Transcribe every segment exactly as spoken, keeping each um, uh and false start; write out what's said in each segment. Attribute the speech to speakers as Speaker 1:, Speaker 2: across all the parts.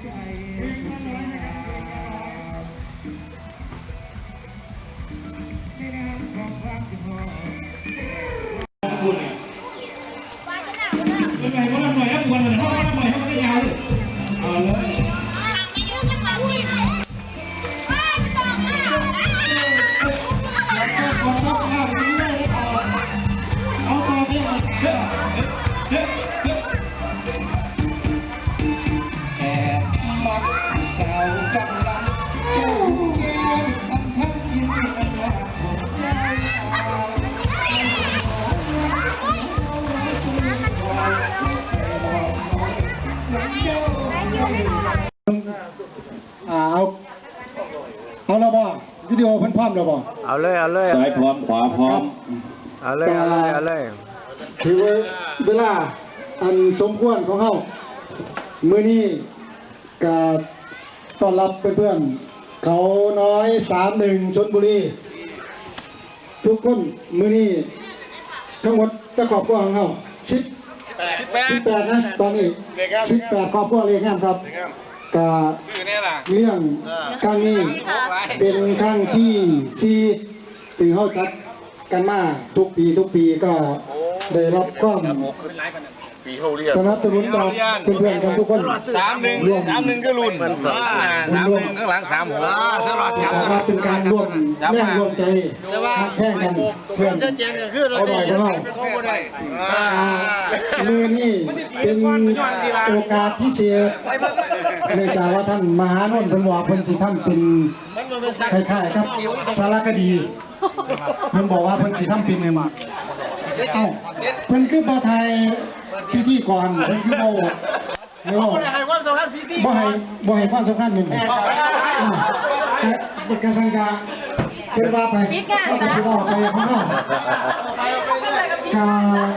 Speaker 1: เป็นไงว่าหน่อยครับควรเหมือนห้องหน่อยให้มันได้ยาวเลยเอาเลยเอาต่อไปเอาเฮ้ยเฮ้ยเฮ้ยแอบมักสาวจังลังเจ้าแก้มทำทั้งยินดีกันว่าผมได้เอาอ่าเอาเอาแล้วบ่วิดีโอเพิ่นพร้อมแล้วบ่
Speaker 2: เอาเลยเอาเลย
Speaker 3: ซ้ายพร้อมขวาพร้อม
Speaker 2: เอาเลยเอาเลยเอาเลย
Speaker 1: ถือเวลาอันสมควรของเฮามื้อนี้ก็ต้อนรับเพื่อนๆเขาน้อยสามหนึ่งชลบุรีทุกคนมื้อนี้ทั้งหมดจะครอบครัวของเฮาสิบสิบแปดนะตอนนี้สิบแปดครอบครัวเรียกงามครับกะเรื่องครั้งนี้เป็นครั้งที่ที่ตีเข้าจัดกันมาทุกปีทุกปีก็ได้รับความสนับสนุนจากเพื่อนๆกันทุกคน
Speaker 4: สามหนึ่งสามหนึ่งก็รุ่นสามหนึ่งข้างหลังสามหัว
Speaker 1: มาเป็นการร่วมแรงร่วมใจแข่งกันเพื่อนเอาหน่อยก็ได้มือนี่เป็นโอกาสพิเศษเนื่องจากว่าท่านมหานนท์เพิ่นบอกเพิ่นสิทำเป็นคล้ายๆครับสารคดีเพิ่นบอกว่าเพิ่นสิทำเป็นเอ้าเพิ่นคือบ่ไทยพิธีก่อนเพิ่นคือบ่ไม่บอกบ่ให้บ่ให้ความสำคัญเป็นบ่แต่การสังกาเพิ่นว่าไปก็สิว่าไปข้างนอกกา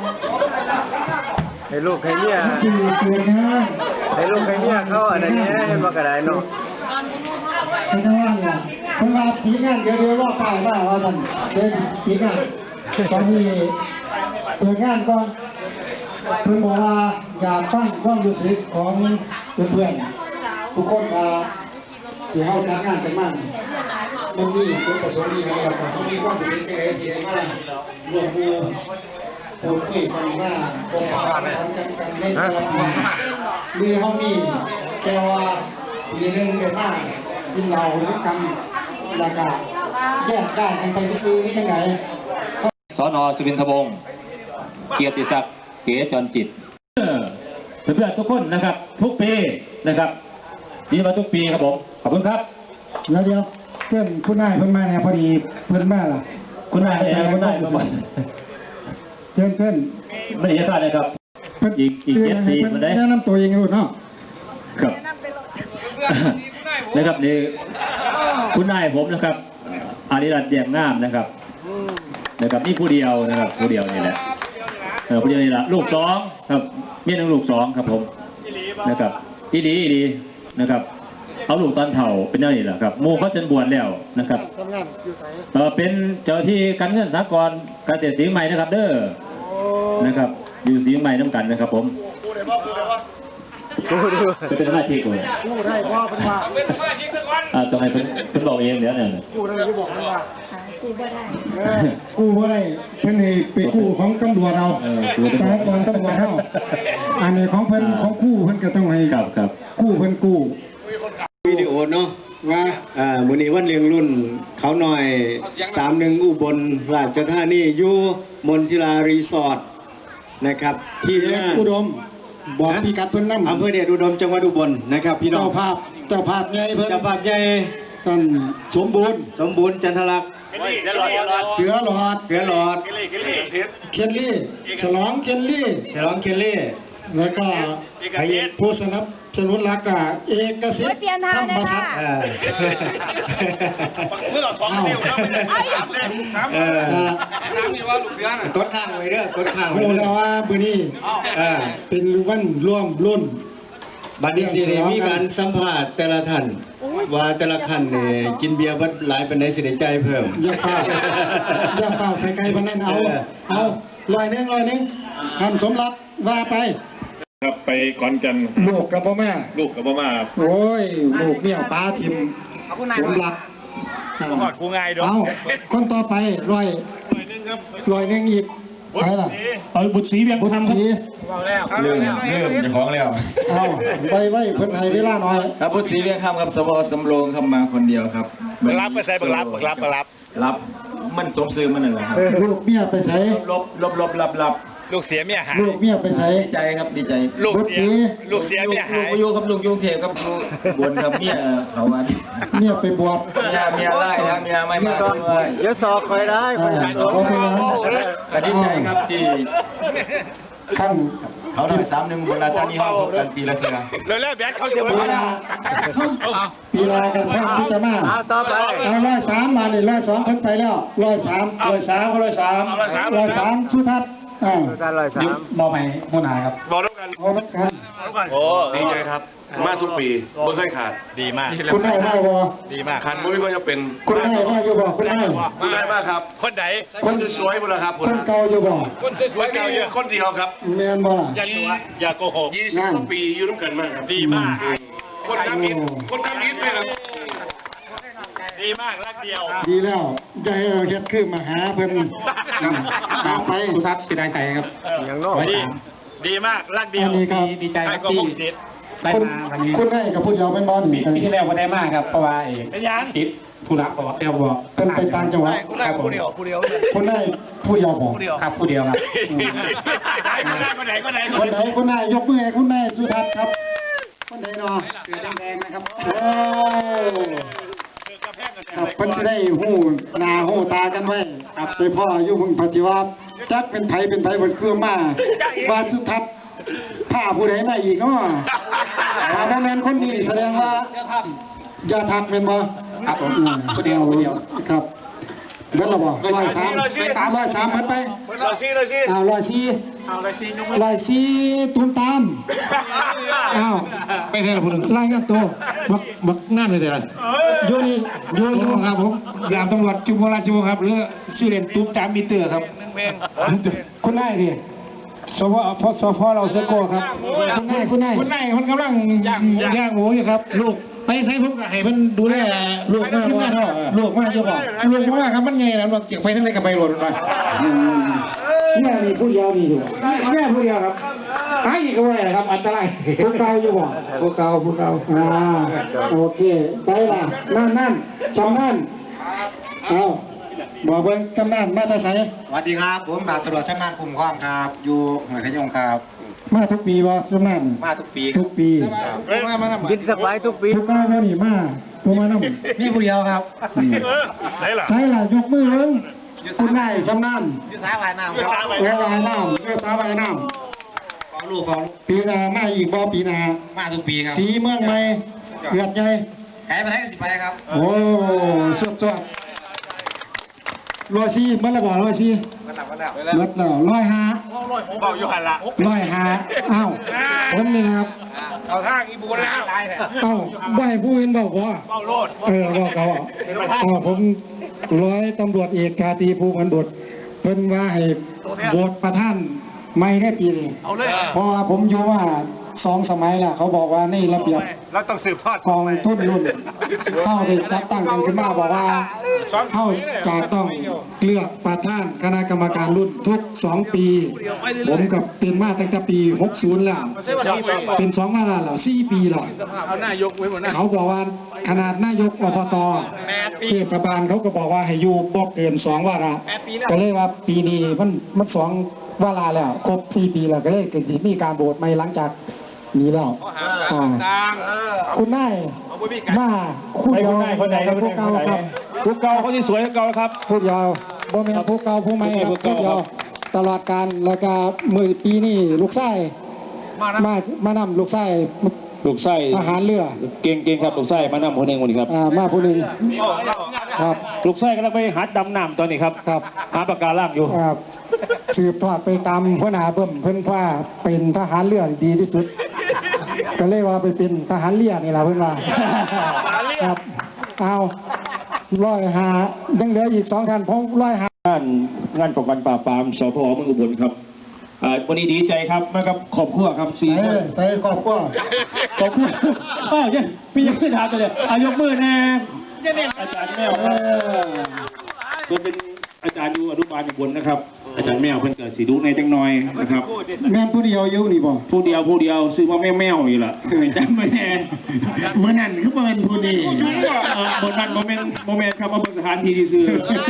Speaker 2: ให้ลูกให้เนี่ยให้ลูกให้เนี่ยเขาอะไรเนี้ยให้มากระไดเนาะ
Speaker 1: เป็นจังหวะเนี่ยเพิ่นว่าปีงานเดี๋ยวเดี๋ยวว่าไปว่าว่าท่านเดี๋ยวปีงานตอนนี้เปิดงานก่อนเพิ่นบอกว่าอยากฟังความรู้สึกของเพื่อนๆทุกคนว่าที่เฮาจัดงานกันมามันมีจุดประสงค์ดีครับว่าเฮามีความรู้สึกจังได๋ที่ได้มาร่วมมือพูดคุยกันว่าบ่ว่ากันกันในแต่ละปีมีเฮามีแต่ว่าปีนึงได้มากินเหล้าด้วยกันแล้วก็แยกย้ายกันไปซื่อๆนี่จังได๋
Speaker 3: สน.สุวินทวงศ์เกียรติศักดิ์เก๋จรจิต
Speaker 5: เพื่อนๆทุกคนนะครับทุกปีนะครับดีมาทุกปีครับผมขอบคุณครับ
Speaker 1: แล้วเดี๋ยวเพื่อนคุณนายเพิ่นมาเนี่ยพอดีเพิ่นมาล่ะ
Speaker 5: คุณนายเองคุณนายมาบ่อย
Speaker 1: เพื่อนเพื่อน
Speaker 5: ไม่ได้พลาดนะครับอีกอีกเจ็ดปีมาได้
Speaker 1: แนะนำตัวเองรู้เนาะ
Speaker 5: ครับนะครับนี่คุณนายผมนะครับอาริรัตน์แย้มงามนะครับนะครับนี่ผู้เดียวนะครับผู้เดียวนี่แหละเออผู้เดียวนี่แหละลูกสองครับเมียหนึ่งลูกสองครับผมนะครับอีดีอีดีนะครับเอาลูกตอนเถ่าเป็นอย่างนี้แหละครับมูเขาจนบวชแล้วนะครับเออเป็นเจ้าที่การเงินสหกรณ์เกษตรศรีใหม่นะครับเด้อนะครับอยู่ศรีใหม่น้ำกันนะครับผมจะเป็นสมาชิกเลย
Speaker 1: กู้ได้พ่อเป็นว่า
Speaker 5: เป็นสมาชิกทุกวันอ่าต้องให้เป็นเป็นบอกเองเดี๋ยวเนี่ย
Speaker 1: กู้ได้ที่บอกว่ากู้ไม่ได้กู้ไม่ได้เพิ่นให้ไปกู้ของตำรวจเราสหกรณ์ตำรวจเราอันนี้ของเพิ่นของกู้เพิ่นก็ต้องให้
Speaker 5: ครับครับ
Speaker 1: กู้เพิ่นกู้
Speaker 4: วิดีโอเนาะว่าอ่ามื้อนี้วันเลี้ยงรุ่นเขาหน่อยสามหนึ่งอุบลราชธานีอยู่มนทิลารีสอร์ทนะครับที่
Speaker 1: อุดมบอกพี่กัดเพิ่นนำ
Speaker 4: อำเภอเดชอุดมจังหวัดอุบลนะครับพี่น้อง
Speaker 1: เจ้าภาพเจ้าภาพใหญ่เพิ่น
Speaker 4: เจ้าภาพใหญ่
Speaker 1: ท่านสมบูรณ์
Speaker 4: สมบูรณ์จันทลักษณ์
Speaker 1: เสือหลอด
Speaker 4: เสือหลอด
Speaker 1: เคนลี่ฉลองเคนลี่
Speaker 4: ฉลองเคนลี่
Speaker 1: แล้วก็ผู้สนับสนุนหลักกะเอกสิทธิ์ธรรมศักดิ์
Speaker 4: เมื่อของเดียวนะเออน้ำนี่ว่าลูกเสือน่ะกดข้างไว้เด้อกดข้างไว้
Speaker 1: รู้แล้วว่ามื้อนี้เป็นวันร่วมรุ่น
Speaker 4: บัดนี้สิได้มีการสัมภาษณ์แต่ละท่านว่าแต่ละท่านนี่กินเบียร์เบิดหลายปานใดสิได้จ่ายเพิ่ม
Speaker 1: อย่าเฝ้าอย่าเฝ้าไปไกลปานนั้นเอาเอาร้อยนึงร้อยนึงท่านสมรักว่าไป
Speaker 6: ครับไปขอนแก่น
Speaker 1: ลูกกับพ่อแม่
Speaker 6: ลูกกับพ่อมา
Speaker 1: โอ้ยลูกเนี่ยป้าทิมผมรัก
Speaker 6: ก็หอดกูง่ายด้วย
Speaker 1: เอาคนต่อไปร้อย
Speaker 6: หน่อยนึงครับ
Speaker 1: ร้อยหนึงอีกใครล่ะ
Speaker 5: เอาบุตรศรีเวียง
Speaker 1: บุญ
Speaker 5: คำครับ
Speaker 1: ศรี
Speaker 2: เริ่มเริ่มจะของแล้ว
Speaker 1: เอาไปไว้เพิ่นให้เวลาหน่อย
Speaker 2: ครับพุทธศรีเวียงคำครับสวสำโรงคำมาคนเดียวครับ
Speaker 6: รับไปใส่บักรับบักรับบักรับ
Speaker 2: รับมันสมซื้อมันนั่นแหละครับ
Speaker 1: ลูกเมียไปใส่
Speaker 2: ลบลบลบรับรับ
Speaker 6: ลูกเสียเมียหาย
Speaker 1: ลูกเมียไปใส่
Speaker 2: ดีใจครับดีใจ
Speaker 6: ลูก
Speaker 1: บุญ
Speaker 6: เสี
Speaker 1: ศ
Speaker 6: ย
Speaker 1: รี
Speaker 6: ลูกเสียเมียหาย
Speaker 2: ลูกอยู่ครับลูกยุงเทพครับลูกบนครับเมียเขาวัน
Speaker 1: เมียไปบวช
Speaker 2: เมียเมียไล่ครับเมียไม่มาด้วย
Speaker 4: เดี๋ยวสอบคอยได้
Speaker 1: อ่าเขาเป็นหยัง
Speaker 2: ก็ดีใจครับที่
Speaker 1: ขั้น
Speaker 2: เขาได้สามหนึ่งเวลาตอนนี้ห้องพบกันปีละเทื่อ
Speaker 6: แล้วแล้วแบทเขาจะ
Speaker 1: ปี
Speaker 6: มา
Speaker 1: ลาปีลากันเพิ่นที่จะมาต่อไปเอาร้อยสามมาเลยร้อยสองเพิ่นไปแล้วร้อยสาม
Speaker 5: ร้อยสามก็ร้อยสาม
Speaker 6: ร้อยสาม
Speaker 1: ร้อยสามสุทัศน์อ่า
Speaker 5: ยุบมอใหม่หัวหน้าครับ
Speaker 6: บอกแล้วกัน
Speaker 1: เอาละกัน
Speaker 6: โอ้
Speaker 7: ดีใจครับ มาทุกปีไม่เคยขาด
Speaker 6: ดีมาก
Speaker 1: คุณได้มาบ่
Speaker 6: ดีมาก
Speaker 7: ขาดไม่ก็จะเป็น
Speaker 1: คุณได้มาอยู่บ่คุณได้
Speaker 7: คุณได้มากครับ
Speaker 6: คนไหน
Speaker 7: คนสวยๆหมดแล้วครับ
Speaker 1: คนเก่าอยู่บ่
Speaker 6: คนสวยๆเก่าเยอะ
Speaker 7: คนเดียวครับ
Speaker 1: แม่นบ่ล่ะ
Speaker 6: อย่าตัวอย่าโกหก
Speaker 7: ยี่สิบกว่าปีอยู่ร่วมกันมากครับ
Speaker 6: ดีมาก
Speaker 7: คนทำอิฐคนทำอิฐเลยครับ
Speaker 6: ดีมากรักเดียว
Speaker 1: ดีแล้วใจเราเฮ็ดคือมาหาเพิ่นตามไป
Speaker 5: สุทัศน์ศิลาชัยครับ
Speaker 6: อย่างนอกดีดีมากรักเดีย
Speaker 1: อั
Speaker 6: วน
Speaker 1: นี้ครับ
Speaker 5: ดีใจค
Speaker 6: ใคร
Speaker 5: รับ
Speaker 6: ก็
Speaker 5: ที่
Speaker 6: พงศิษย์
Speaker 5: ได้
Speaker 1: คุณ
Speaker 5: มาวันนี้
Speaker 1: คุณได้กับผู้เดียวเป็นบ่นี่
Speaker 5: ปีที่แล้วก็ได้มากครับเพราะว่าเอก
Speaker 6: เป็นยัง
Speaker 5: ติดธุระบอกเดียวบอก
Speaker 1: เพิ่นไปต่างจังหวัด
Speaker 5: ครับผม
Speaker 1: คุณได้ผู้เดียวบ่
Speaker 5: ครับผู้เดียวครับ
Speaker 6: คนไหนคนไหน
Speaker 1: คนไหนคุณได้ยกมือให้คุณได้สุทัศน์ครับคนไหนเนาะสีแดงๆนะครับโอ้ครับเพิ่นสิได้ฮู้หน้าฮู้ตากันไว้ครับไปพ่ออยู่มึงปฏิวัติจักเป็นไผเป็นไผเบิดเครื่องมาว่าสุทัศน์ถ้าผู้ใดมาอีกเนาะถ้าบ่แม่นคนนี้แสดงว่าอย่าทักแม่นบ่
Speaker 5: ครับผม
Speaker 1: อืม
Speaker 5: ผู้เดียวผู้เดียว
Speaker 1: ครับเบิดและบ่ร้อยสามร้อยสามเบิดไป
Speaker 6: เราซีเราซี
Speaker 1: อ้าวร้อยสี่
Speaker 6: เอาเลยซียก
Speaker 1: ร้อยสี่ตุ้มตามอ้าว
Speaker 5: ไม่ใช่หรอผู้หนึ่ง
Speaker 1: รายงานตัว
Speaker 5: บักบักนั่นเลยแต่ละ
Speaker 1: อยู่นี่อยู่อยู่
Speaker 5: ครับผมยามตำรวจจุฬาราชวงศ์ครับหรือชื่อเล่นตุ๊บจามมิเตอร์ครับ
Speaker 1: คุณนายดิ
Speaker 5: สพพสพเราเซโกครับ
Speaker 1: คุณนายคุณนาย
Speaker 5: คุณนายคนกำลังย่างหมูอยู่ครับ ลูกไปใช้ผมกับให้มันดูแล
Speaker 1: ลูกมาบ่ลูกมาอยู่บ่
Speaker 5: ลูกว่าครับมันใหญ่แล้วมันเก็บไปทั้งในกับไปหล่นไป
Speaker 1: เนี่ยนี่ผู้เดียวนี่อยู่
Speaker 5: แม่ผู้เดียวครับหายอีกก็ไม่ได้ครับอันตราย
Speaker 1: ผู้เก่าอยู่บ่
Speaker 5: ผู้เก่าผู้เก่า
Speaker 1: อ่าโอเคไปล่ะนั่นนั่นชำนั่นเอาบอกเบิ่งกำนันมาแตาไส
Speaker 2: สวัสดีครับผมดาบตำรวจชำนาญคุ้มครองครับอยู่หน่วยขยงครับ
Speaker 1: มาทุกปีบ่ชำนั่น
Speaker 2: มาทุกปี
Speaker 1: ทุกปี
Speaker 2: กินสบายทุกปี
Speaker 1: ทุกเก้าบ่นี่มาบ่มานำ
Speaker 2: มีผู้เดียวครับ
Speaker 6: ไหนล่ะ
Speaker 1: ใช่ล่ะยกมือเบิ่งคุณนายชำนาญ
Speaker 2: อยู่สายวายน้ำครับ
Speaker 1: แวววายน้ำแววสาววายน้
Speaker 2: ขอลูกขอลูก
Speaker 1: ำปีหนามาอีกบ่ปีหนา
Speaker 2: มาทุกปีครับ
Speaker 1: สีเมืองใหม่เกือดใหญ่
Speaker 2: แพ้ไปได้ก็สิไปครับ
Speaker 1: โอ้สวดสวดร้อยสี่มันละบ่ร้อยสี่
Speaker 2: มาหลับมาแล้ว
Speaker 1: เบิดแล้วร้อยห้า
Speaker 6: เบาอยู่หันละ
Speaker 1: ร้อยห้าอ้าวผมนี่นะครับ
Speaker 6: เอาทางอีบูนแล้ว
Speaker 1: เอ้าบ่ให้ผู้อื่นบอกว่า
Speaker 6: เบาโลด
Speaker 1: เออบอกเขาอ่ะอ๋อผมร้อยตำรวจเอกชาตรีภูมิพันธ์บุตรเพิ่นว่าให้โหวตประธานไม่ได้ปีนี้
Speaker 6: เอาเลย
Speaker 1: เพราะว่าผมอยู่ว่าสองสมัยแล้วเขาบอกว่าในระเบียบ
Speaker 6: เราต้องสืบทอด
Speaker 1: กองทุนรุ่นเข้าได้จัดตั้งกันขึ้นมาบอกว่าเข้าจะต้องเลือกประธานคณะกรรมการรุ่นทุกสองปี ผมกับเป็นมาตั้งแต่ปีหกสิบแล้วเป็นสองมาแล้วแล้วสี่ปีแล้ว
Speaker 6: เอาหน้ายกไว้หมดนะ
Speaker 1: เขาบอกว่าขนาดนายกอบตเทศบาลเขาก็บอกว่าให้อยู่บ่เกินสองวาระก็เลยว่าปีนี้มันมันสองวาระแล้วครบสี่ปีแล้วก็เลยเกิดมีการโหวตใหม่หลังจากนี้แล้วอ่าคุณนายมาคู่เดียว
Speaker 5: คนไหนคนไหน
Speaker 1: กับพวกเก่าครับ
Speaker 5: ผู้เก่าเขาที่สวยเก่าครับ
Speaker 1: พูดยาวบ่แม่นผู้เก่าผู้ใหม่ครับ
Speaker 5: ผู้
Speaker 1: พูด
Speaker 5: เก่าย
Speaker 1: าว
Speaker 5: ครับ
Speaker 1: ตลอดการแล้วก็มือปีนี้ลูกชายมามานำลูกชาย
Speaker 3: ลูกไส้
Speaker 1: ทหารเรือ
Speaker 3: เก่งเก่งครับลูกไส้มานำคนหนึ่งคนนี้ครับ
Speaker 1: อ่ามาผู้หนึงครับ
Speaker 3: ลูกไส้กำลังไปหาดำน้ำตอนนี้ครับ
Speaker 1: ครับ
Speaker 3: หาปากการ่างอยู่
Speaker 1: ครับสืบทอดไปตามหัวหน้าเบิ่มเพิ่นว่าเป็นทหารเรือดีที่สุด ก็เลยว่าไปเป็นทหารเรือนี่ล่ะเพิ่นว่าครับเอาร้อยหายังเหลืออีกสองท่านผมร้อยหาง
Speaker 3: านงานป้องกันปราบปรามสพเมืองอุบลครับเอ่อวันนี้ดีใจครับมากับครอบครัวครับสี่
Speaker 1: ใส่
Speaker 3: คน
Speaker 1: ใส่ครอบครัว
Speaker 3: ครอบครัวอ้าวยังพี่ยังไม่ถามเลยอายกมือแน่อาจารย์แมว
Speaker 1: เอ
Speaker 3: ครับ
Speaker 1: อ
Speaker 3: เพิ่นเป็นอาจารย์อยู่อนุบาลอยู่บนนะครับ อาจารย์แมวเพิ่นเกิดสีดุในจังน้อยนะครับ
Speaker 1: แม่นผู้เดียวอยู่นี่บ่
Speaker 3: ผู้เดียวผู้เดียวซื้อว่าแม่แมวอยู่ล่ะจำไม่แน่
Speaker 1: เมื่อนั้นคือบ่แม่นผู้นี้
Speaker 3: เอ่อบนนั้นโมเมนต์โมเมนต์ครับมาบนสถานที่ที่ซื้อ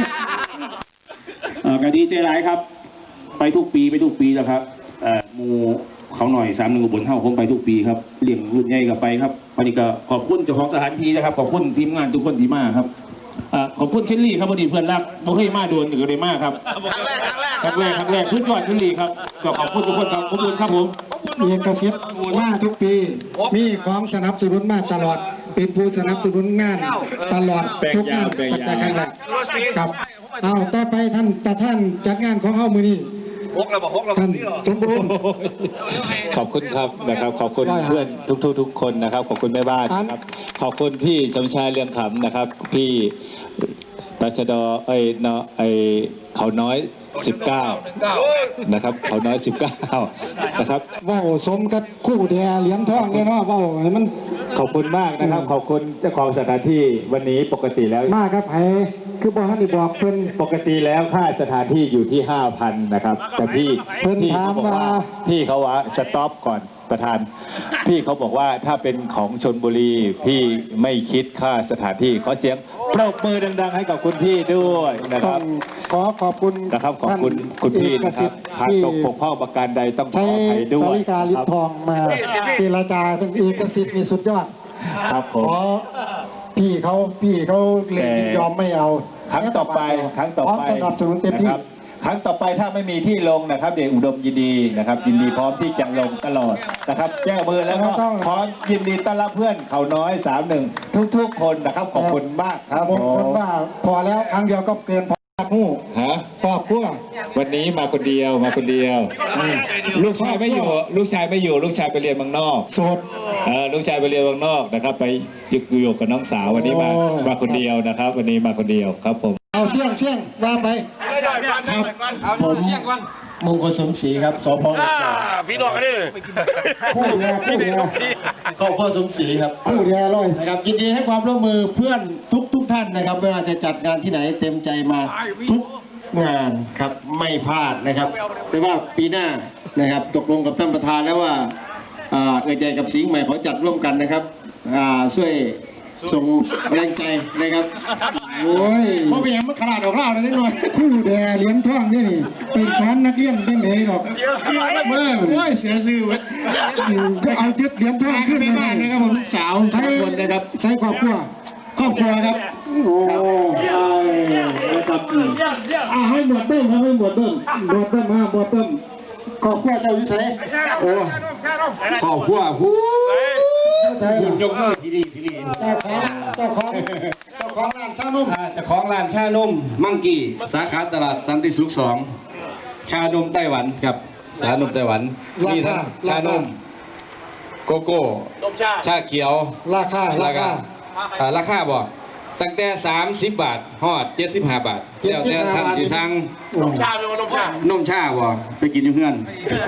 Speaker 3: เอ่อก็ดีใจหลายครับ ไปทุกปีไปทุกปีแล้วครับเอ่อหมูเขาหน่อยสามหนึ่งบนเท่าผมไปทุกปีครับเลี้ยงรุ่นใหญ่กับไปครับวันนี้ก็ขอบคุณเจ้าของสถานที่นะครับขอบคุณทีมงานทุกคนที่มาครับเอ่อขอบคุณเคลลี่ครับวันนี้เพื่อนรักบ่เคยมาโดนถึงเลยมากครับครั้งแรกครั้งแรกครั้งแรกครั้งแรกสุดยอดเคลลี่ครับก็ขอบคุณทุกคนครับขอบคุณครับผม
Speaker 1: เอกสิทธิ์มาทุกปี มีของสนับสนุนมาตลอด เป็นผู้สนับสนุนงานตลอดทุกงานตั้งแต่ครั้งแรกครับเอาต่อไปท่านประธานจัดงานของเฮามื้อนี้ท่านสมบูรณ์
Speaker 2: ขอบคุณครับนะครับ ขอบคุณเพื่อนทุกๆทุกคนนะครับ ขอบคุณแม่บ้านนะครับ ขอบคุณพี่สมชายเรืองขำนะครับ พี่ตชดเอ้ยเนาะไอเขาน้อยสิบเก้านะครับ เขาน้อยสิบเก้านะครับ
Speaker 1: เว้าสมกับคู่แดเหรียญทองเลยเนาะเว้าให้มัน
Speaker 2: ขอบคุณมากนะครับ ขอบคุณเจ้าของสถานที่วันนี้ปกติแล้ว
Speaker 1: มาครับไผคือบ่ทันได้บอกเพิ่น
Speaker 2: ปกติแล้วค่าสถานที่อยู่ที่ห้าพันนะครับ แต่พี่
Speaker 1: เพิ่น
Speaker 2: พี่
Speaker 1: ถาม
Speaker 2: เขาบอกว่า
Speaker 1: ว่า
Speaker 2: พี่เขาว่าสต็อปก่อนประธาน พี่เขาบอกว่าถ้าเป็นของชนบุรี พี่ไม่คิดค่าสถานที่ขอเสียงปรบมือดังๆให้กับคุณพี่ด้วยนะค
Speaker 1: ต้อ
Speaker 2: รับ
Speaker 1: งขอขอบคุณ
Speaker 2: นะครับขอบคุณคุณพี่นะครับหากตกบกพร่องประการใดต้องขอ
Speaker 1: ใช้
Speaker 2: อภัยด้ว
Speaker 1: สาย ริกาลิ้นทองมาเจรจาเป็นเอกสิทธิ์มีสุดยอด
Speaker 2: ครับผ
Speaker 1: ข
Speaker 2: ม
Speaker 1: อพี่เขาพี่เขาเลยยินยอมไม่เอา
Speaker 2: ครั้งต่อไปครั้งต่อ
Speaker 1: พร้อม
Speaker 2: ไป
Speaker 1: สนับสนุนเต็มที่
Speaker 2: นะครับครั้งต่อไปถ้าไม่มีที่ลงนะครับ เด็กอุดมยินดีนะครับ ยินดีพร้อมที่จะลงตลอดนะครับ แจ้งมือแล้วก็พร้อมยินดีต้อนรับเพื่อนเขาน้อยสามหนึ่งทุกๆคนนะครับขอบคุณมากครับ
Speaker 1: บางคนว่าพอแล้วครั้งเดียวก็เกินพอหู้
Speaker 2: ฮะ
Speaker 1: ครอบครัว
Speaker 2: วันนี้มาคนเดียวมาคนเดียวลูกชายไม่อยู่ ลูกชายไม่อยู่ ลูกชายไปเรียนเมืองนอก
Speaker 1: โสด
Speaker 2: เออลูกชายไปเรียนเมืองนอกนะครับ ไปอยู่กับน้องสาววันนี้มา
Speaker 1: โอ้
Speaker 2: มาคนเดียวนะครับ วันนี้มาคนเดียวครับผม
Speaker 1: เอาเสี่ยงเสี่ยงว่าไป
Speaker 6: ครับผม
Speaker 1: มงคลสมศรีครับสพ
Speaker 6: พี่น้องกันดิ
Speaker 1: ผู้แลผู้แล
Speaker 8: ครอบครัวสมศรีครับ
Speaker 1: ผู้แลร้อย
Speaker 8: นะครับยินดีให้ความร่วมมือเพื่อนทุกทุกท่านนะครับไม่ว่าจะจัดงานที่ไหนเต็มใจมาทุกงานครับไม่พลาดนะครับแต่ว่าปีหน้านะครับตกลงกับท่านประธานแล้วว่าอ่าเอ่ยใจกับสิงห์ใหม่เขาจัดร่วมกันนะครับอ่าช่วยส่งแรงใจนะครับ
Speaker 1: โอ้ย
Speaker 8: เพราะเป็นอย่างมันขนาดออกเล่าเลยนิดหน่อย
Speaker 1: ผู้แดเหรียญทองนี่นี่เป็นสอนนักเรียนยังไงหรอกเมื่อ
Speaker 8: โอ้ยเสียซื่อเว้ย
Speaker 1: เอาเจ็ดเหรียญทองขึ้น
Speaker 8: ไป
Speaker 1: มา
Speaker 8: บ้านนะครับผมลูกสาวสองคนนะครับ
Speaker 1: ใช้ครอบครัว
Speaker 8: ครอบครัวครับ
Speaker 1: โอ้ยนะครับอ่าให้หมวดเบิ้มให้หมวดเบิ้มหมวดเบิ้มมาหมวดเบิ้มครอบครัวเจ้าวิสัยโอ้
Speaker 8: ครอบครัวผู้
Speaker 1: เจ้าใจ
Speaker 8: ยกมือทีดีทีดี
Speaker 1: เจ้าของเจ้าของเจ้าของร้านชานุ่ม
Speaker 8: เจ้าของร้านชานมมังกี้สาขาตลาดสันติสุขสองชานมไต้หวันครับชานมไต้หวันมีทั้งชานมโกโก้ชาเขียว
Speaker 1: ราคาราคา
Speaker 8: อ่าราคาบ่ตั้งแต่สามสิบบาทฮอดเจ็ดสิบห้าบาทแล้วแต่ท่านที่สั่ง
Speaker 1: นมชา
Speaker 8: นมชาบ่ไปกินอยู่เพื่อน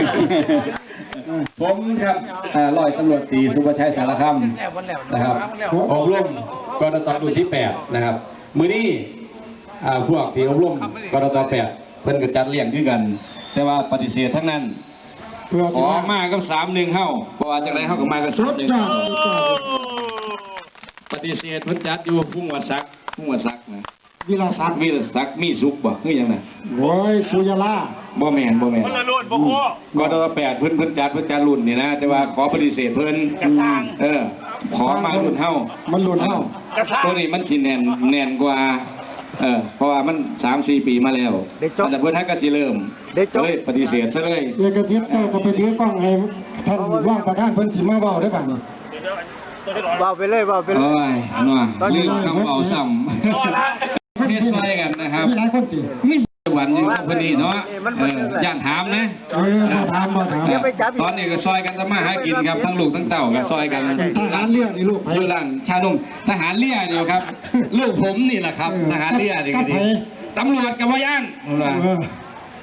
Speaker 8: ผมครับอ่าร้อยตำรวจตรีสุภชัยสารคำนะครับอบรมกรตรุ่นที่แปดนะครับมื้อนี้อ่าพวกที่อบรมกรตแปดเพิ่นก็จัดเลี้ยงคือกัน แต่ว่าปฏิเสธทั้งนั้น
Speaker 1: เพื่อ
Speaker 8: ข
Speaker 1: ที่
Speaker 8: อ
Speaker 1: ว่า
Speaker 8: มากับสามหนึ่งเฮ้าเพราะว่าจากไหนเฮ้าก็มากับ
Speaker 1: สุ
Speaker 8: สาม
Speaker 1: ด
Speaker 8: หนึ่ง
Speaker 1: ยอดสุดยอด
Speaker 8: ปฏิเสธเพิ่นจัดอยู่พุ่งวัดซักพุ่งวัดซักนะ
Speaker 1: วิลาศักดิ์
Speaker 8: มีแต่ซักมีสุกบ่คือหยังน่ะ
Speaker 1: โอ้ยสุยาลา
Speaker 8: บ่แม่นบ่แม่น
Speaker 6: มันละลุ่นบ่โค
Speaker 8: กรตแปดเพิ่นเพิ่นจัดเพิ่นจัดรุ่นนี่นะแต่ว่าขอปฏิเสธเพิ่นเออขอมารุ่นเฮ้า
Speaker 1: มันหลุดเฮา
Speaker 8: ตัวนี้มันสิแน่นแน่นกว่า เออเพราะว่ามันสามสี่ปีมาแล้วแต่เพื่อนให้ก็สิเริ่มเลยปฏิเสธซะเลย
Speaker 1: เอกสิทธิ์เจ้าก็ไปถือกล้องให้ท่านว่างประธานเพิ่นสิมาเว้าได้ป่ะนี่
Speaker 2: เบาไปเลยเบาไปเลย
Speaker 8: โอ้ยนัวลืมคำเอาซ้ำเฮ็ดซอยกันนะครับ
Speaker 1: มีหลายคนติ
Speaker 8: มีหวันอยู่กับเพิ่นนี่เนาะเออย่านถามนะ
Speaker 1: เออบ่ถามบ่ถาม
Speaker 8: ตอนนี้ก็ซอยกันทำมาหากินครับทั้งลูกทั้งเต้าก็ซอยกัน
Speaker 1: ทหารเรือนี่ลูกไผ
Speaker 8: อยู่ร้านชานมทหารเรือนี่ครับ ลูกผมนี่แหละครับ ทหารเรือนี่ก็ดีตำรวจกับว่าย่าน
Speaker 1: เออ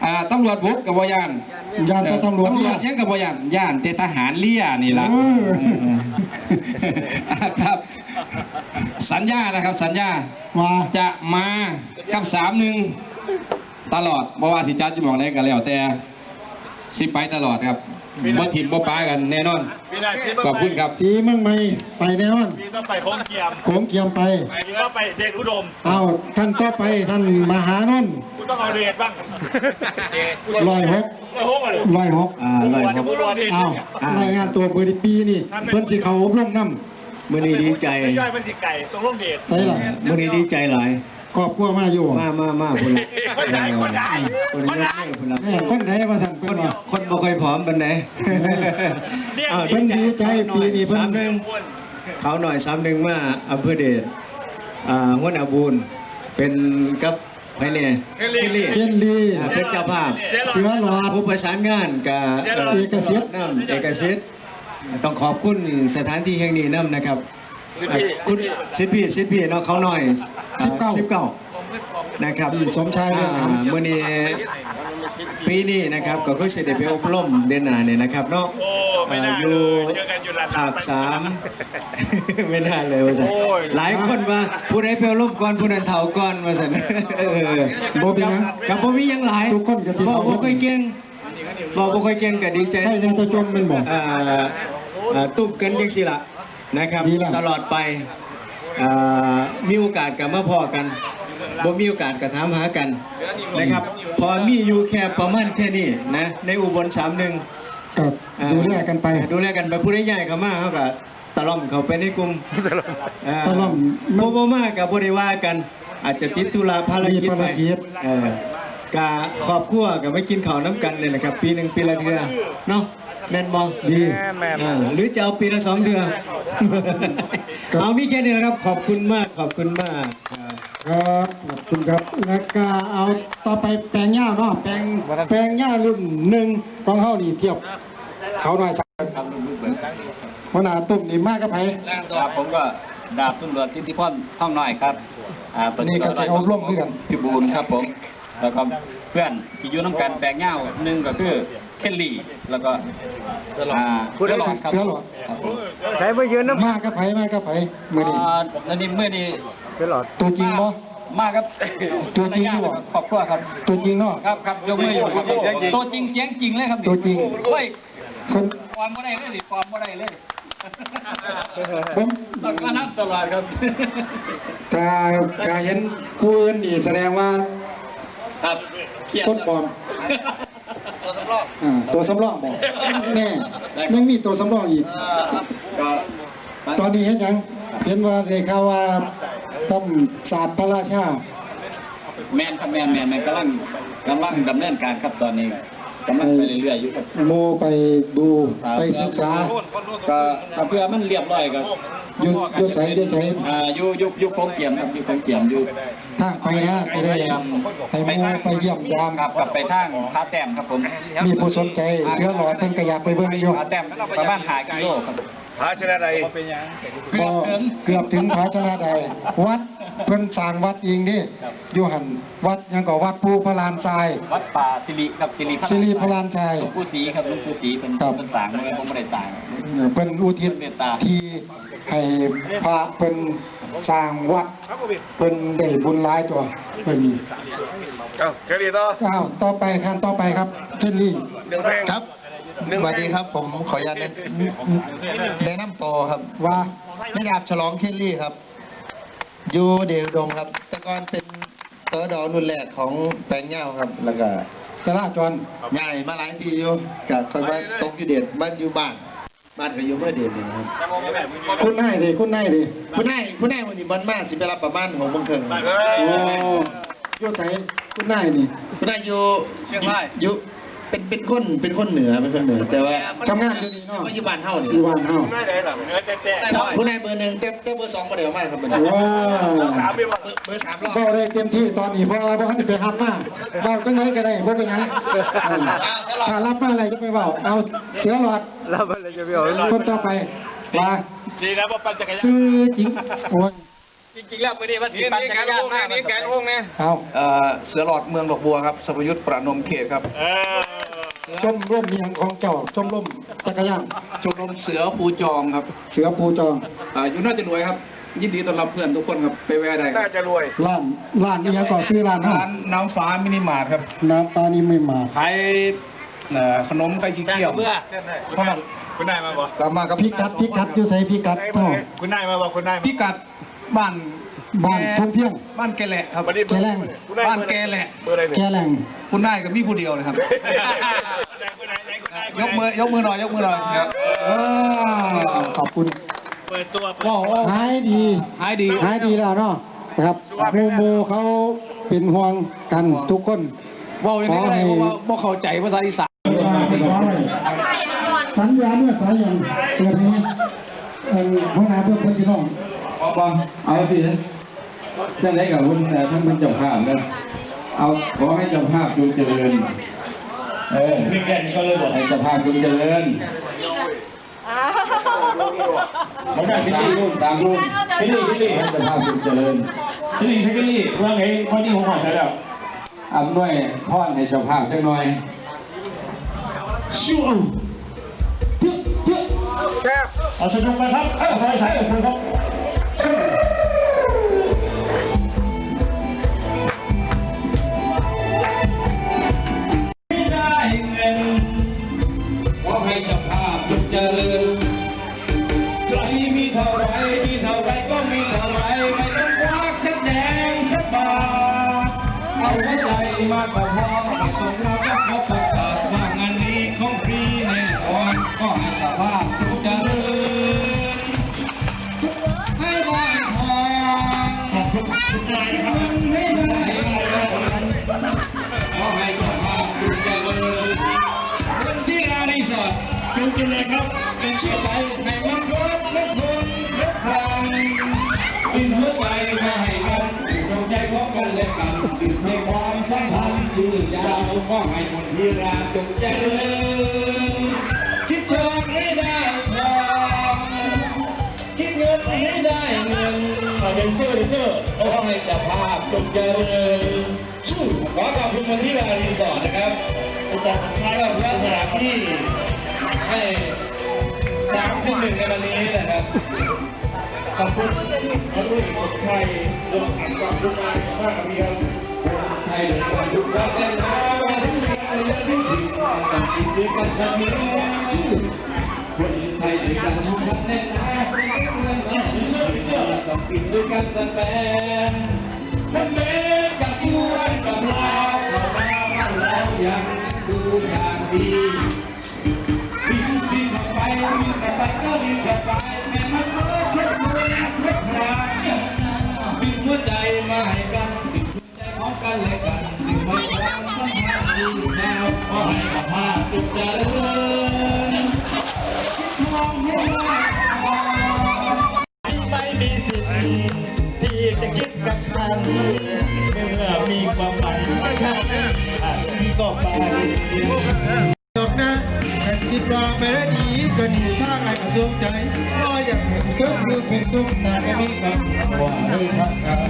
Speaker 9: อ่าตำรวจบุกกับบ่ย่าน
Speaker 1: ย่านแต่ตำรวจ
Speaker 9: ตำร
Speaker 1: เนี่
Speaker 9: วย จยังกับบ่ย่านย่านแต่ทหารเลี้ยนี่ล่ะ
Speaker 1: เออ
Speaker 9: อ่าครับ สัญญานะครับ สัญญา
Speaker 1: ว่า
Speaker 9: จะมากับสามหนึ่งตลอดบ่ว่าสิจัดจะบอกได้กันแล้วแต่สิไปตลอดครับบ่ถิ่มบ่ป้ากันแน่นอนขอบคุณครับ
Speaker 1: สีเมืองใหม่ไปแน่นอน
Speaker 6: พี่ต้องไปโค้งเกียม
Speaker 1: โขงเกียมไป
Speaker 6: พี่ต้องไปเดชอุดม
Speaker 1: เอาท่านต่อไปท่านมหานนท์
Speaker 6: กูต้องเอาเดชบ้าง
Speaker 1: ร้อยหก
Speaker 6: โอ้โหเลย
Speaker 1: ร้อยหก
Speaker 4: อ่าร้อยหก
Speaker 1: เอารายงานตัวเบอร์ปีนี่เพิ่นสิเขาอบรมน้
Speaker 4: มื้อนี้ดีใจ
Speaker 6: ไม่ย่อยเป็นสิไก่ตรงร่มเดช
Speaker 1: ำใส่ล่ะ
Speaker 4: มื้อนี้ดีใจหลาย
Speaker 1: ครอบครัวมาอยู่
Speaker 4: มามามาพุ่นละ
Speaker 6: คนใหญ่คนใหญ่
Speaker 4: คน
Speaker 6: คน
Speaker 4: เย
Speaker 6: ให
Speaker 4: อะ
Speaker 6: ญ่
Speaker 4: แม่พุ่นละ
Speaker 1: แม่คนไหนมาท่าน
Speaker 4: ค
Speaker 1: เพิ่น
Speaker 4: น
Speaker 1: ว่า
Speaker 4: คนบ่ค่อยผอมปานใด
Speaker 6: เนี่ย
Speaker 4: อ้าว
Speaker 1: เพิ่นดีใจปีนี้เพิ่น
Speaker 4: สามหนึ่งเขาหน่อยสามหนึ่งมาอำเภอเดชอ่าหัวหน้าบุญเป็นกับไผเนี่ยเคลลี่
Speaker 1: เคนลี
Speaker 4: อ่าเป็นเจ้าภาพ
Speaker 1: เสือหลอด
Speaker 4: ผู้ประสานงานกับ
Speaker 1: เอกสิทธิ์
Speaker 4: น้ำเอกสิทธิ์ต้องขอบคุณสถานที่แห่งนี้น้ำนะครับอ่าคุณสิทธิ์พี่สิทธิ์พี่เนาะเขาหน่อย
Speaker 1: สิบเก้า
Speaker 4: สิบเก้านะครับ
Speaker 1: พี่สมชายเรื่องคำ
Speaker 4: อ่ามื่อนี้ปีนี้นะครับก็คือเสด็จไปอบรมเดือนหน้าเนี่ยนะครับเนาะ
Speaker 6: โอ้ไม่น่า
Speaker 4: อ่าอ
Speaker 6: เล
Speaker 4: ยู่
Speaker 6: ยเจอกันอยู่หลัง
Speaker 4: ภาคสาม ไม่น่าเลยว่าสัน
Speaker 6: โอ้ย
Speaker 4: หลายคนว่าผู้ใดไปอบรมก่อนผู้นั้นเฒ่าก่อนว่าสันเออ
Speaker 1: บ่เป็นหยัง
Speaker 4: กับบ่มีหยังหลาย
Speaker 1: ทุกคนก็สิ
Speaker 4: บอก
Speaker 1: เฒ่า
Speaker 4: บ่ค่อยเก่งบอกบ่ค่อยเก่งก็ดีใจ
Speaker 1: ใช่แม่ตะจมแม่นบ่
Speaker 4: อ่าอ่าตุบกันจังซี่ล่ะนะครับ
Speaker 1: ดีแล้ว
Speaker 4: ตลอดไปอ่ามีโอกาสก็มาพอกันบ่มีโอกาสก็ถามหากันนะครับ พอมีอยู่แค่ประมาณแค่นี้นะในอุบลสามหนึ่ง
Speaker 1: ก็ดูแลกันไป
Speaker 4: ดูแลกันไปผู้ใดใหญ่เข้ามาเขาก็ตะล่อมเขาไปในกลุ่มา
Speaker 1: ตะล่อม
Speaker 4: โมโมมากับบริวากัน อาจจะติดธุระภารกิจ
Speaker 1: มีภารกิจ
Speaker 4: เออกะครอบครัวกับไม่กินข้าวน้ำกันเลยนะครับ ปีหนึ่งปีละเทื่อเนาะแม่นบอ
Speaker 1: ดี
Speaker 4: อ่าหรือจะเอาปีละสองเทื่อ
Speaker 1: ครับ
Speaker 4: เอามีแค่นี้นะครับ ขอบคุณมากขอบคุณมากครับ
Speaker 1: ครับขอบคุณครับแล้วก็เอาต่อไปแปลงหญ้าเนาะแปลงแปลงหญ้ารุ่นหนึ่งของเฮานี่เทียบเขาหน่อยสักหัวหน้าตุ้มนี่มากกับไผ
Speaker 10: ครับผมก็ดาบตำรวจทิติพรท่องน้อยครับอ่า
Speaker 1: นี่ก็จะเอาร่วมด้วยกัน
Speaker 10: พิบูลครับผม แล้วก็เพื่อนที่อยู่น้ำกันแปลงเง่าหนึ่งก็คือเคลลี่แล้วก็อ่าเสือหลอดครับ
Speaker 1: เสือหลอด
Speaker 10: ครับผม
Speaker 1: ใช้ไปยืนน้ำมากกับไผมากกับไผมื้อนี้
Speaker 10: อ่าแล้วนี่เมื่อนี้
Speaker 1: ตัวจริงบ่
Speaker 10: มาครับ
Speaker 1: ตัวจริงหรือเปล่า
Speaker 10: ครอบครัวครับ
Speaker 1: ตัวจริงเนาะ
Speaker 10: ครับครับยกมืออยู่ครับตัวจริงเสียงจริงเลยครับนี่
Speaker 1: ตัวจริง
Speaker 10: โอ้ย
Speaker 1: คน
Speaker 10: ความบ่ได้เลยดิความบ่ได้เลย
Speaker 1: ผม
Speaker 10: ต้องมานับตลอดครับ
Speaker 1: ถ้าถ้าเห็นผู้อื่นนี่แสดงว่า
Speaker 10: ครับเครียด
Speaker 1: ต้นปลอม
Speaker 10: ตัวสำรอง
Speaker 1: อ่าตัวสำรองบอกแน่ยังมีตัวสำรองอีก
Speaker 10: ก็
Speaker 1: ตอนนี้เห็นยังเห็นว่าได้ข่าวว่าทำศาสตร์พระราชา
Speaker 10: แมนครับแมนแมนแมนกำลังกำลังดำเนินการครับตอนนี้กำลังไปเรื่อยๆอยู่ครับ
Speaker 1: โมไปดูไปศึกษา
Speaker 10: ก็ถ้าเพื่อมันเรียบร้อยก็
Speaker 1: อยู่อยู่ใสอยู่ใส
Speaker 10: อ่าอยู่อยู่อยู่โคงเกียมครับอยู่โคงเกียมอยู่
Speaker 1: ทางไปนะไปได้ไปโมไปเยี่ยมยาม
Speaker 10: ครับกลับไปทางผาแต้มครับผม
Speaker 1: มีผู้สนใจเชื้อหลอดเพิ่นก็อยากไปเบิ่งอยู่
Speaker 10: ผาแต้มประมาณห้ากิโลครับ
Speaker 7: พระชนะใด
Speaker 1: ก็เกือบถึงภาชนะใดวัดเพิ่นสร้างวัดเองดิอยู่หันวัดยังก็วัดภูพระลานทราย
Speaker 10: วัดป่าสิริครับสิริ
Speaker 1: สิริพระลานทราย
Speaker 10: หลวงปู่ศรีครับหลวงปู่ศรีเป็น
Speaker 1: ครับ
Speaker 10: เป็นต่างไม่ผมไม่ได้ต่าง
Speaker 1: เพิ่นอุทิศที่ให้พระเพิ่นสร้างวัดเพิ่นได้บุญหลายตัวเพิ่น
Speaker 7: เอ้าแค่นี้ต่อ
Speaker 1: อ้าวต่อไปขั้นต่อไปครับเคนลี่
Speaker 7: หนึ่งเพลง
Speaker 8: ครับสวัสดีครับผมขออนุญาตแนะแนะนำตัวครับ
Speaker 1: ว่า
Speaker 8: นายดาบฉลองเคลลี่ครับ อยู่เดวดงครับ แต่ก่อนเป็นเตอร์ดอรุ่นแรกของแปลงเง่าครับ แล้วก็
Speaker 1: จราจร
Speaker 8: ใหญ่มาหลายทีอยู่กับคอยมาตกอยู่เด็ดบ้านอยู่บ้าน บ้านก็อยู่เมื่อเดือนนี่นะครับ
Speaker 1: คุณนายดิคุณนายดิ
Speaker 8: คุณนายคุณนายวันนี้บันมาสิไปรับประมาณหกโมงครึ่งครับ
Speaker 1: โอ้อยู่ไสคุณนายนี่
Speaker 8: คุณนายอยู่เชียงรายอยู่เป็นเป็นคนเป็นคนเหนือเป็นคนเหนือ แต่ว่า
Speaker 1: ทำงานอยู่นี่เนาะ
Speaker 8: ก็อยู่บ้านเฮานี่
Speaker 1: อยู่บ้านเฮา
Speaker 6: ไม่ได้หรอกเนื้อแจ๊ะ
Speaker 8: คุณนายเบอร์หนึ่งเต้เต้เบอร์สองก็เดี๋ยวมากครับเบอร์
Speaker 1: ว้า
Speaker 6: สามไม่ว่า
Speaker 8: เบอร์สามรอบ
Speaker 1: บ่ได้เต็มที่ตอนนี้เพราะว่าบ่ทันได้ไปรับมาเว้าจังไดก็ได้บ่เป็นหยังถ้ารับมาอะไรจะไปเว้าเอาเสือหลอดรับอะไรจะไปเอาคนต่อไปว่า
Speaker 6: ดีนะว่าปั่นจักรยาน
Speaker 1: ซื้อจริงโอ้ย
Speaker 10: จริงๆแล้วไม่ได้ว่าติดปั่นจักรยานมากนี่แกงโอ่งเนี่ย
Speaker 1: เอา
Speaker 9: เอ่อเสือหลอดเมืองดอกบัวครับสมยุทธประนมเขตครับ
Speaker 6: เออ
Speaker 1: ชมร่มเมียงของเจ้าชมร่มจักรยาน
Speaker 9: ชมรมเสือภูจองครับ
Speaker 1: เสือปูจอง
Speaker 9: อ่าอยู่น่าจะรวยครับ ยินดีต้อนรับเพื่อนทุกคนครับไปแวะได้ค
Speaker 7: น่า
Speaker 9: รับ
Speaker 7: จะรวย
Speaker 1: ร้านร้านนี้ยังก่อซื้อร้านเนาะ
Speaker 9: ร้านน้ำฟ้ามินิมาร์ทครับ
Speaker 1: น้ำปลานี่ไม่มา
Speaker 9: ขายเอ่อขนมไก่ขี้เกียว
Speaker 10: เบื่อ
Speaker 9: เพราะมัน
Speaker 6: คุณนายมาบอก
Speaker 9: กลับมากับ
Speaker 1: พิกัดพิกัดอยู่ใส่พิกัดเท่า
Speaker 6: คุณนายมาบอกคุณนาย
Speaker 9: พิกัดบ้าน
Speaker 1: บ้านทุ่งเพียง
Speaker 9: บ้านแกแหละครับ
Speaker 1: แกแรง
Speaker 9: บ้านแกแหละ
Speaker 7: เบอร์อะไรเนี่ย
Speaker 1: แกแรง
Speaker 9: คุณนายกับมีผู้เดียวเลยครับ ยกมือยกมือหน่อยยกมือหน่อยครับ
Speaker 1: อ่าขอบคุณ
Speaker 6: เปิดตัว
Speaker 9: ว้าวว้าว
Speaker 1: หายดี
Speaker 9: หายดี
Speaker 1: หายดีแล้วเนาะนะครับโมโมเขาเป็นห่วงกันทุกคน
Speaker 9: ว้าวยังไงได้เพราะว่าบ่เข้าใจภาษาอีสาน
Speaker 1: สัญญาเมื่อสายันเปิดนี้เป็นหัวหน้าเพื่อนเพื่อนพี่น้อง
Speaker 11: เอาเอาสิท่านไหนกับคุณท่านเป็นเจ้าภาพนะเอาขอให้เจ้าภาพจงเจริญเออพี่แกนี่ก็เลยบอกให้เจ้าภาพจงเจริญไม่ได้ที่นี่รุ่นตามรุ่นที่นี่ที่นี่ให้เจ้าภาพจงเจริญที่นี่ที่นี่ว่าไงข้อนี้ผมขอใช้แล้วอำนวยพรให้เจ้าภาพจังหน่อยชิวเอาสนุกไปครับเออใส่ใส่โอเคครับได้เงินขอให้เจ้าภาพจงเจริญใครมีเท่าไรมีเท่าไรก็มีเท่าไรไม่ต้องควักสักแดงสักบาทเอาหัวใจมากกว่าพอไม่ต้องรอก็เขาประกาศว่างานนี้ของฟรีแน่นอนก็ให้เจ้าภาพจงเจริญให้บ่อยพอขอบคุณทุกท่านครับให้ได้ขอให้เจ้าภาพจงเจริญคนที่อารีสอร์ทจงเจริญครับเป็นชื่อใจให้มันครบและคนและพลังเป็นหัวใจมาให้กันเป็นดวงใจของกันและกันติดในความสัมพันธ์ยืดยาวก็ให้คนที่รักจงเจริญคิดทองให้ได้ทองคิดเงินให้ได้เงินเป็นเสื้อเป็นเสื้อขอให้เจ้าภาพจงเจริญสู้ขอขอบคุณมาที่อารีสอร์ทนะครับจากใช้กับสถานที่ให้สามสิบหนึ่งในวันนี้นะครับ ขอบคุณพระรุ่นสุดชัยเรื่องขันความรุ่งงานมากกับเพียงไทยเรื่องความรุ่งงานได้นะวันที่มีอะไรเรื่องที่ถึงกันจิตด้วยกันจะมีคนไทยด้วยกันทุกคนแน่นะเงินเงินเชื่อเชื่อต้องปิดด้วยกันแสดงนั่นเองกับที่วันกับเราเราเรายังดูอย่างดีบินบินไปบินไปก็บินไปแม่มันก็แค่ตัวแค่พระบินหัวใจมาให้กันบินหัวใจของกันและกันบินมาความสัมพันธ์ยืนยาวขอให้กับภาพจงเจริญมองให้ได้ไม่มีสิทธิ์ที่จะคิดกับใครเมื่อมีความหมายแค่นั้นอาจก็ไปจบนะแต่คิดว่าไม่ได้ดีก็ดีถ้าไงก็สวมใจรออย่างเห็นก็คือเป็นทุกข์แต่ไม่มีความหวังเลยครับ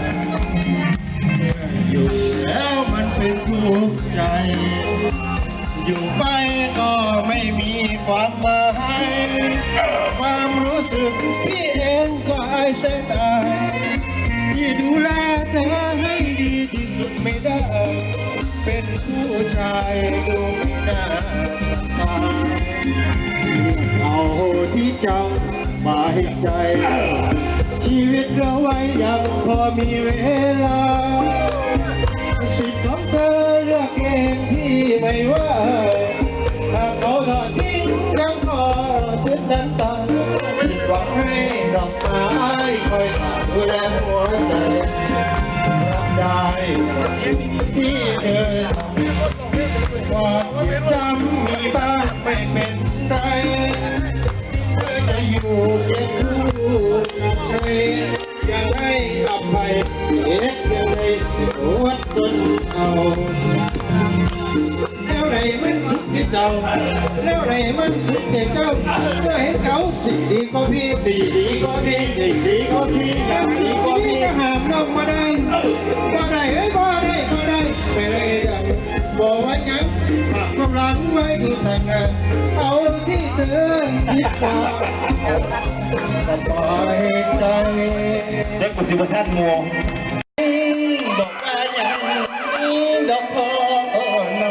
Speaker 11: อยู่แล้วมันเป็นทุกข์ใจอยู่ไปก็ไม่มีความหมายความรู้สึกที่เองก็อายเสียดายที่ดูแลเธอให้ดีที่สุดไม่ได้เป็นผู้ชายดูไม่น่าสบายเอาที่จำมาให้ใจชีวิตเราไว้ยังพอมีเวลาสิทธิ์ของเธอเลือกเองที่ไม่ว่าหากเขาทอดทิ้งยังขอเช็ดน้ำตาผิดหวังให้ดอกไม้คอยดูแลหัวใจรับได้ที่เธอทำความเจ็บจำมีบ้างไม่เป็นไรเธอจะอยู่เคียงคู่กับใครยังให้อภัยเอ็ดเดียวในสวัสดิ์จนเอาแล้วไรมันสุด
Speaker 8: ที่เจ้าแล้วไรมันสุดแต่เจ้าเมื่อเห็นเขาสิ่งดีก็พี่ดีดีก็พี่ดีดีก็พี่ดีก็พี่จะห้ามน้องมาได้บ่ได้เอ้ยบ่ได้บ่ได้ไปเลยดังบอกว่ายังฝากความรักไว้ดูทางงานเอาที่เธอคิดว่าสบายใจเด็กปัจจุบันมัวดอกอะไรดอกโพน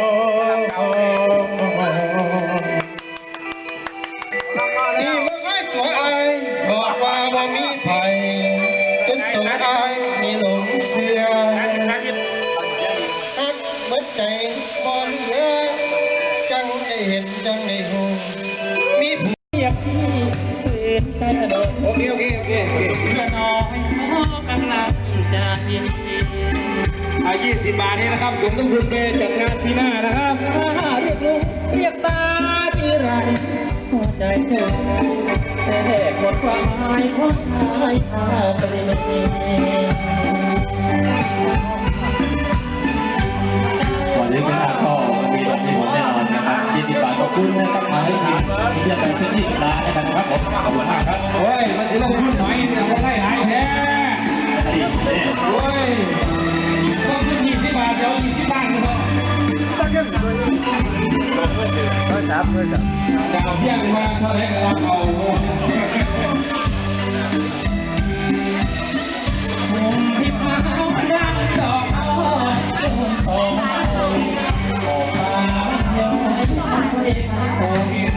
Speaker 8: นี่ว่าไอ้ตัวไอ้บอกว่าบ่มีไผจนตัวไอ้มีหลงเสียฮักเบิดใจบ่เหลือจังได้เห็นจังได้หูมีผู้อยากที่เปลี่ยนใจโดนโอเคโอเคโอเคโอเคเพื่อน้อยน้อกำลังจะยินดีอายี่สิบบาทนี่นะครับสมทบทุนไปจัดงานปีหน้านะครับเรียกลุงเรียกตาจีไรหัวใจเธอแต่หมดความหมายของชายชาตรี
Speaker 5: วันนี้เป็นการก็มีรถมีหมดแน่นอนนะครับยี่สิบบาทขอบคุณนะครับมาให้ทีมเรียกไปที่ที่ร้านนะครับผมขอบคุณมากครับ
Speaker 9: โอ้ยมันจะลงทุนหน่อยแต่ว่าได้หายแท้โอ้ยต้องขึ้นยี่สิบบาทเดี๋ยวยี่สิบบาทเลยจะเอาเที่ยงมาเท่าไหร่ก็รับเอา
Speaker 5: ที่มาเอาดังดอกเอาของเราออกมาเดี๋ยวให้เด็กโต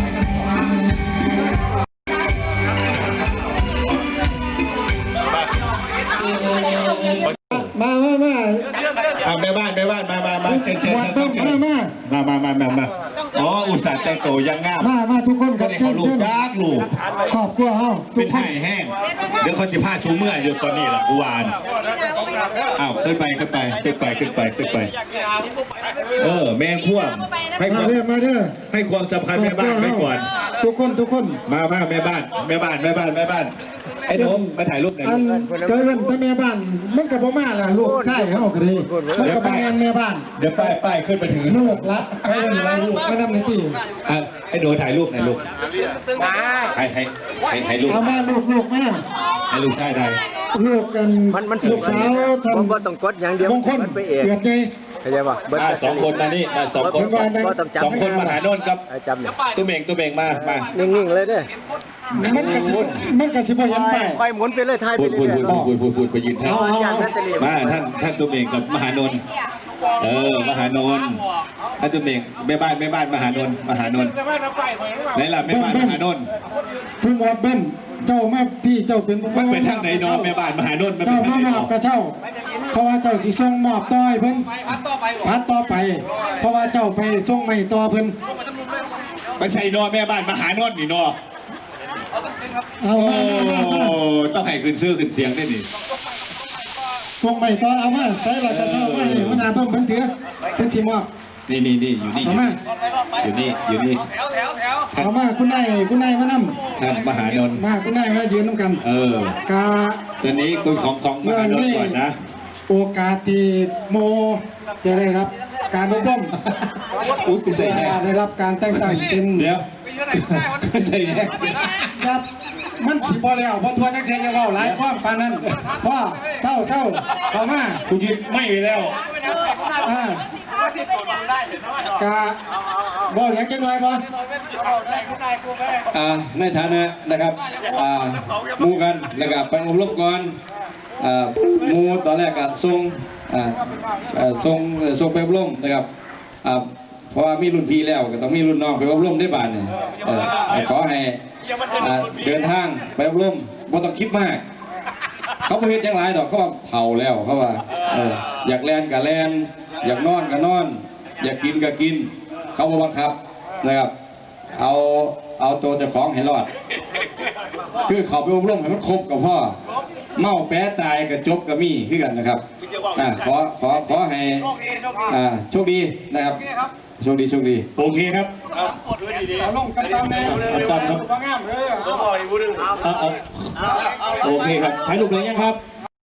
Speaker 8: มามามา
Speaker 2: อ่ะแม่บ้านแม่บ้านมามามาเชิญเชิญ
Speaker 8: วัดต้องมามา
Speaker 2: มามามามามาอ๋ออุตส่าห์แต่งตัวยังงาม
Speaker 8: มามาทุกคนครับ
Speaker 2: เขาลูกยากลูก
Speaker 8: ขอบคุณเฮาทุ
Speaker 2: เป็
Speaker 8: ก
Speaker 2: น
Speaker 8: คน
Speaker 2: ไห่แห้งเดี๋ยวเขาจะพาชูเมื่ออยู่ตอนนี้แหละกูวานอ้าวขึ้นไปขึ้นไปขึ้นไปขึ้นไปขึ้นไปเออแมงพ่วงให้ค
Speaker 8: มาว
Speaker 2: าม
Speaker 8: เด้อมาเด้อ
Speaker 2: ให้ความสำคัญแม่บ้านไว้ก่อน
Speaker 8: ทุกคนทุกคน
Speaker 2: มามาแม่บ้านแม่บ้านแม่บ้านแม่บ้านไอ้หนุ่มมาถ่ายรูปหน่อย
Speaker 8: อันเจริญแต่แม่บ้านมันก็บ่มาล่ะลูกชายเฮาก็ดีมันก็เป็นงานแม่บ้าน
Speaker 2: เดี๋ยวป้ายป้ายขึ้นไปถึง
Speaker 8: ลูกรักเอิ้นว่าลูกมานำในที่
Speaker 2: อ่ะไอ้หนูถ่ายรูปหน่อยลูกให้ให้ให้ให้ลูก
Speaker 8: เอามาลูกลูกมา
Speaker 2: ให้ลูกชายได้
Speaker 8: ลูกกันลูกสาวท่านบ่ต้องกดอย่างเดียวมงคลเกิดใจ
Speaker 2: เข้าใจป่ะมาสองคนมานี่มาสองคนสองคนมาหาโน่นครับตุ้มเองตุ้มเองมามา
Speaker 8: นิ่งๆเลยเด้อมันก็สิมันก็สิบ่เห็นไปค่อยหมุนไปเลยท้ายไป
Speaker 2: พูด
Speaker 8: เรื่
Speaker 2: พูด
Speaker 8: อย
Speaker 2: พูดพูดพูดพูดไปยืนท่าน
Speaker 8: เอาเอา
Speaker 2: มาท่านท่านตุ้มเองกับมหานนท์เออมหานนท์ท่านตุ้มเองแม่บ้านแม่บ้านมหานนท์มหานนท์ไหนล่ะแม่บ้านมหานนท์
Speaker 8: ผู้หมวดเบิ้นเจ้ามาพี่เจ้าเป็น
Speaker 2: มันเป็นทางไหนเนาะแม่บ้านมหานนท์มันเป็
Speaker 8: เจ้าน
Speaker 2: ทาง
Speaker 8: มา
Speaker 2: ไหน
Speaker 8: มอบ
Speaker 2: เนาะ
Speaker 8: กับเจ้าเพราะว่าเจ้าสิส่งมอบต่อให้เพิ่นพัดต่อไปพัดต่อไป เพราะว่าเจ้าไปส่งไม่ต่อเพิ่น
Speaker 2: ไม่ใช่เนาะแม่บ้านมหานนท์นี่เนาะ
Speaker 8: เอา
Speaker 2: โอ้
Speaker 8: มามามา
Speaker 2: ต้องให้ขึ้นชื่อขึ้นเสียงได้นี่
Speaker 8: ส่งไม่ต่อเอามาใส่หลักกระเช้ามาให้หัวหน้าเพิ่มเพิ่นถือเพิ่นสิมอบ
Speaker 2: นี่นี่นี่อยู่นี่
Speaker 8: เอามา
Speaker 2: อยู่นี่อยู่นี่
Speaker 8: เอามาคุณนายคุณนายมานำ
Speaker 2: ท่านมหานนท์
Speaker 8: มาคุณนายมายืนนำกัน
Speaker 2: เออก
Speaker 8: า
Speaker 2: ตอนนี้คุณของของมหานนท์ก่อนนะ
Speaker 8: โอกาสที่โมจะได้รับการอบรม
Speaker 2: อุ้ยคุณใส่แน่
Speaker 8: ได้รับการแต่งตั้งเป็น
Speaker 2: เดี๋ยวคุณใส่แน่
Speaker 8: ครับมันสิบ่แล้วเพราะทัวร์นักเรียนจะเว้าหลายความปานนั้นพ่อเศร้าเศร้าเข้ามา
Speaker 5: คุณยึดไม่ไปแล้ว
Speaker 8: อ่ากะบ่อยากจะน้อยบ่
Speaker 9: อ่าในฐานะนะครับอ่าหมู่กันแล้วก็ไปอบรมก่อนอ่าหมู่ตอนแรกก็ส่งอ่าเอ่อส่งส่งไปอบรมนะครับอ่าเพราะว่ามีรุ่นพี่แล้วก็ต้องมีรุ่นน้องไปอบรมได้บ้านเนี่ยเอ่อขอให้อ่าเดินทางไปอบรมบ่ต้องคิดมาก เขาบ่เฮ็ดจังหลายดอกเขาว่าเผาแล้วเขาว่าเอออยากแลนก็แลนอยากนอนก็นอน อยากกินก็กิน เขาบ่บังคับนะครับ เอาเอาตัวเจ้าของให้รอด คือเขาไปอบรมให้มันครบกับพ่อเมาแปะตายกับจบกับมีคือกันนะครับอ่าขอขอขอให้อ่าโชคดีนะครับโชคดีโชคดี
Speaker 5: โอเคครับ
Speaker 8: เอาลงกันตามแนวเลยบ่งามเด้อ
Speaker 5: เอาเอาโอเคครับถ่ายรูปเลยยังครับ